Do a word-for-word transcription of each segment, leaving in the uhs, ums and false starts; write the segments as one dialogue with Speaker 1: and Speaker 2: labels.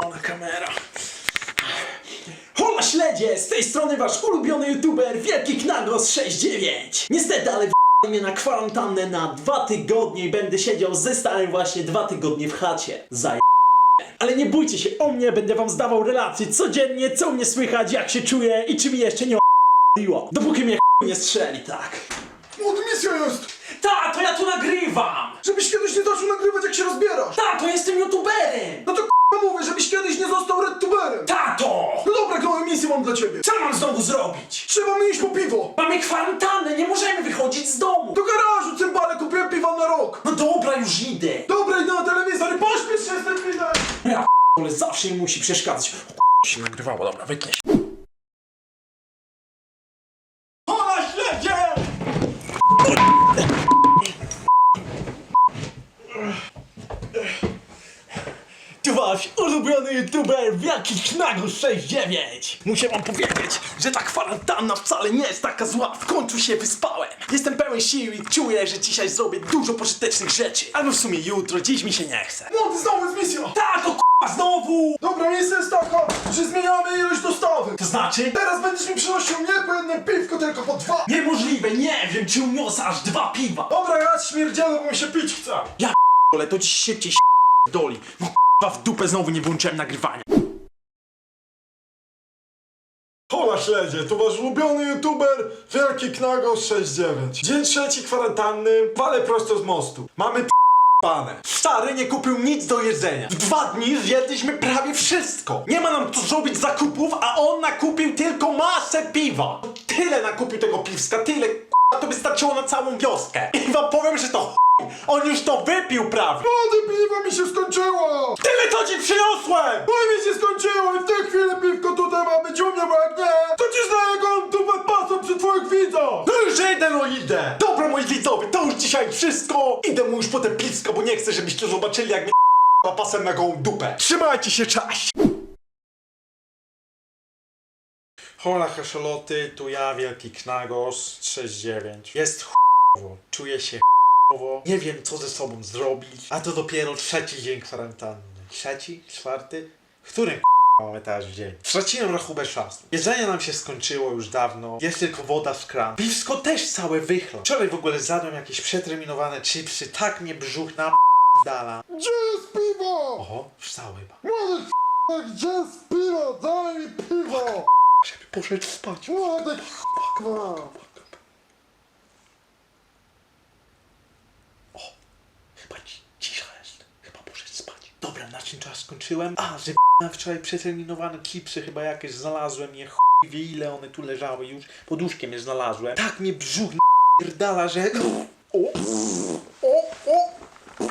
Speaker 1: Pierdolona kamera. Hola śledzie! Z tej strony wasz ulubiony youtuber Wielki Knagos sześć dziewięć. Niestety, ale w***li mnie na kwarantannę na dwa tygodnie i będę siedział ze starym właśnie dwa tygodnie w chacie. Zaj... Ale nie bójcie się o mnie, będę wam zdawał relacje codziennie, co u mnie słychać, jak się czuję i czy mi jeszcze nie o***liło. Dopóki mnie nie strzeli, tak.
Speaker 2: Młody, misja jest!
Speaker 1: Ta, to ja tu nagrywam!
Speaker 2: Żebyś kiedyś nie zaczął nagrywać, jak się rozbierasz!
Speaker 1: Ta, to jestem youtuberem!
Speaker 2: No to k***a mówię, żebyś kiedyś nie został redtuberem!
Speaker 1: Tato!
Speaker 2: No dobra, jaką misję mam dla ciebie?
Speaker 1: Co mam znowu zrobić?
Speaker 2: Trzeba mi iść po piwo!
Speaker 1: Mamy kwarantannę, nie możemy wychodzić z domu!
Speaker 2: Do garażu, cymbale, kupiłem piwa na rok!
Speaker 1: No dobra, już idę!
Speaker 2: Dobra, idę na telewizor i pośpiesz się z tym filmem!
Speaker 1: Ja ale zawsze mi musi przeszkadzać. Się nagrywało, dobra, wytnę się.
Speaker 2: Hola śledzie!
Speaker 1: Tu wasz ulubiony youtuber Wielki Knagos sześć dziewięć. Muszę wam powiedzieć, że ta kwarantanna wcale nie jest taka zła. W końcu się wyspałem. Jestem pełen sił i czuję, że dzisiaj zrobię dużo pożytecznych rzeczy. Albo w sumie jutro, dziś mi się nie chce.
Speaker 2: Młody, znowu jest misja!
Speaker 1: Tato, k***a, znowu!
Speaker 2: Dobra, misja jest taka, że zmieniamy ilość dostawy!
Speaker 1: To znaczy?
Speaker 2: Teraz będziesz mi przynosił nie po jednym piwko, tylko po dwa!
Speaker 1: Niemożliwe, nie wiem, czy uniosę aż dwa piwa.
Speaker 2: Dobra, ja śmierdzielę, bo mi się pić chce!
Speaker 1: Ja ale to dziś szybciej doli. No k***a, w dupę znowu nie włączyłem nagrywania.
Speaker 2: Hola śledzie, to wasz ulubiony youtuber Wielki Knagos sześć dziewięć. Dzień trzeci kwarantanny, walę prosto z mostu. Mamy p***pane.
Speaker 1: Stary nie kupił nic do jedzenia. W dwa dni zjedliśmy prawie wszystko. Nie ma nam tu zrobić zakupów, a on nakupił tylko masę piwa. Tyle nakupił tego piwska, tyle k***a, to by starczyło na całą wioskę. I wam powiem, że to chuj. On już to wypił prawie.
Speaker 2: Młody, piwo mi się skończyło!
Speaker 1: Tyle to ci przyniosłem!
Speaker 2: No i mi się skończyło i w tej chwili piwko tutaj ma być u mnie, bo jak nie, to ci znaję go tu pasą przy twoich widzach!
Speaker 1: No już idę, no idę! Dobra, moi widzowie, to już dzisiaj wszystko. Idę mu już po te piwsko, bo nie chcę, żebyście zobaczyli, jak mnie k***a pasem na gołą dupę. Trzymajcie się, cześć! Hola haszoloty, tu ja, Wielki Knagos sześć dziewięć. Jest ch***owo, czuję się ch***owo, nie wiem co ze sobą zrobić, a to dopiero trzeci dzień kwarantanny. Trzeci? Czwarty? Który k***a mamy teraz dzień? Straciłem rachubę czasu. Jedzenie nam się skończyło już dawno, jest tylko woda z kranu. Piwsko też całe wychla. Wczoraj w ogóle zjadłem jakieś przeterminowane chipsy, tak mnie brzuch na***dala.
Speaker 2: Gdzie jest piwo?
Speaker 1: Oho, wstał chyba.
Speaker 2: Młody, gdzie jest piwo? Daj mi piwo!
Speaker 1: Żeby poszedł spać.
Speaker 2: Młody, k***a!
Speaker 1: Chyba ci, cisza jest. Chyba poszedł spać. Dobra, na czym czas skończyłem? A, że na wczoraj przeterminowane chipsy chyba jakieś znalazłem. Je chuj wie ile one tu leżały już. Pod łóżkiem je znalazłem. Tak mnie brzuch napierdala, że... O! O! O!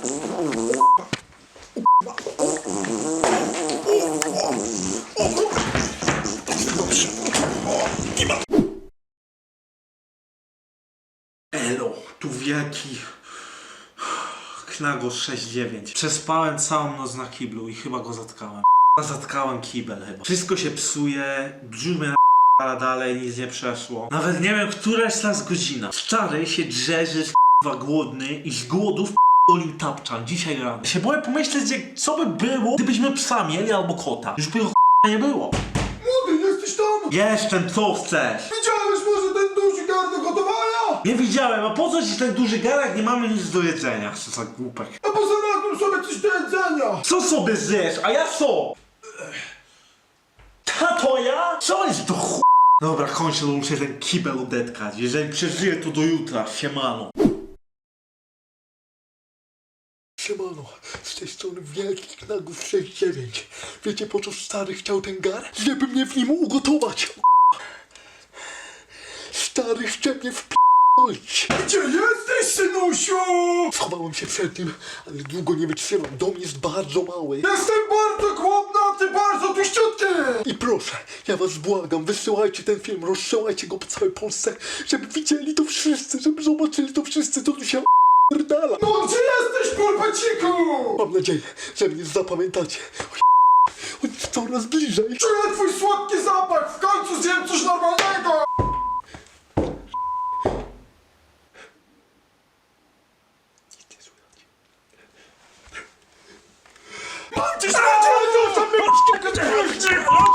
Speaker 1: Elo, tu Wielki Knagos sześć dziewięć. Przespałem całą noc na kiblu i chyba go zatkałem. Zatkałem kibel chyba. Wszystko się psuje, brzuch mnie na dalej, nic nie przeszło. Nawet nie wiem, która jest teraz godzina. Stary się drze, że jest k***wa głodny i z głodu w***olił tapczan dzisiaj rano. Się boję pomyśleć, jak, co by było, gdybyśmy psa mieli albo kota. Już by go k***a nie było.
Speaker 2: Młody, jesteś tam?
Speaker 1: Jestem, co chcesz?
Speaker 2: Widziałeś może ten duży gar do gotowania?
Speaker 1: Nie widziałem, a po co ci ten duży garek, nie mamy nic do jedzenia. Co za głupek.
Speaker 2: A poza znalazłem sobie coś do jedzenia!
Speaker 1: Co sobie zjesz, a ja co? Tato, ja? Co jest to ch... Dobra, kończę, bo muszę ten kibel odetkać. Jeżeli przeżyję, to do jutra. Siemano.
Speaker 2: Siemano, z tej strony Wielki Knagos sześć dziewięć. Wiecie po co stary chciał ten gar? Żeby mnie w nim ugotować! Stary chce mnie wpi***ć! Gdzie jesteś, synusiu? Schowałem się przed nim, ale długo nie wytrzymam. Dom jest bardzo mały. Jestem bardzo głodny, a ty bardzo tuściutki! I proszę, ja was błagam, wysyłajcie ten film, rozsyłajcie go po całej Polsce, żeby widzieli to wszyscy, żeby zobaczyli to wszyscy, co tu się pierdala. No gdzie jesteś, pulpeciku? Mam nadzieję, że mnie zapamiętacie. On jest coraz bliżej. Czuję twój słodki zapach, w końcu zjem coś normalnego! Mam cię śmierdzielę, Chodź tu, Kacperek!